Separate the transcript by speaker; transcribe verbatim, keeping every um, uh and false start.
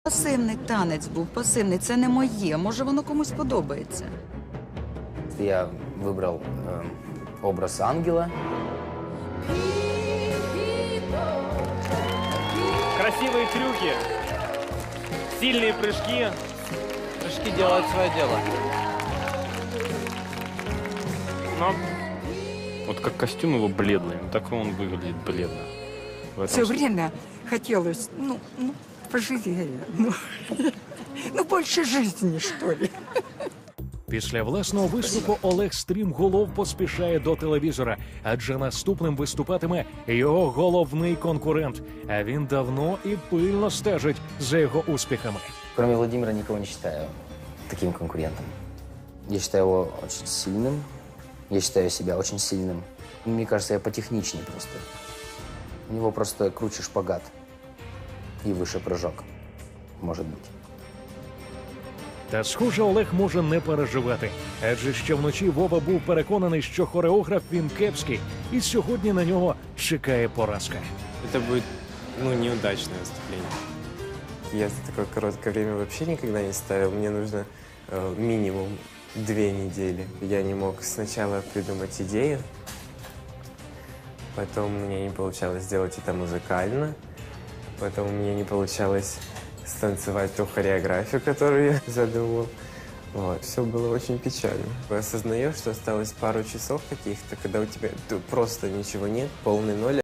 Speaker 1: Пасивний танець був, пасивний. Це не моє. Може, воно комусь подобається.
Speaker 2: Я выбрал э, образ ангела.
Speaker 3: Красивые трюки, сильные прыжки.
Speaker 4: Прыжки делают свое дело.
Speaker 3: Но вот как костюм его бледный, так и он выглядит бледно. В этом
Speaker 5: Все
Speaker 3: смысле.
Speaker 5: время хотелось, ну, ну, поживее, ну, ну, больше жизни, что ли.
Speaker 6: Після власного виступу Олег стрімголов поспішає до телевізора, адже наступним виступатиме його головний конкурент. А він давно і пильно стежить за його успіхами.
Speaker 2: Кроме Владимира никого не считаю таким конкурентом. Я считаю его очень сильным. Я считаю себя очень сильным. Мне кажется, я потехничнее просто. У него просто круче шпагат и выше прыжок, может быть.
Speaker 6: Та, схоже, Олег може не переживати, адже ще вночі Вова був переконаний, що хореограф він кепський, і сьогодні на нього чекає поразка.
Speaker 7: Это будет, ну, неудачное выступление. Я за такое короткое время вообще никогда не ставил. Мне нужно э, минимум две недели. Я не мог сначала придумать идею, потом мне не получалось сделать это музыкально, потом мне не получалось станцевать ту хореографию, которую я задумал. Вот. Все было очень печально. Осознаешь, что осталось пару часов каких-то, когда у тебя просто ничего нет, полный ноль.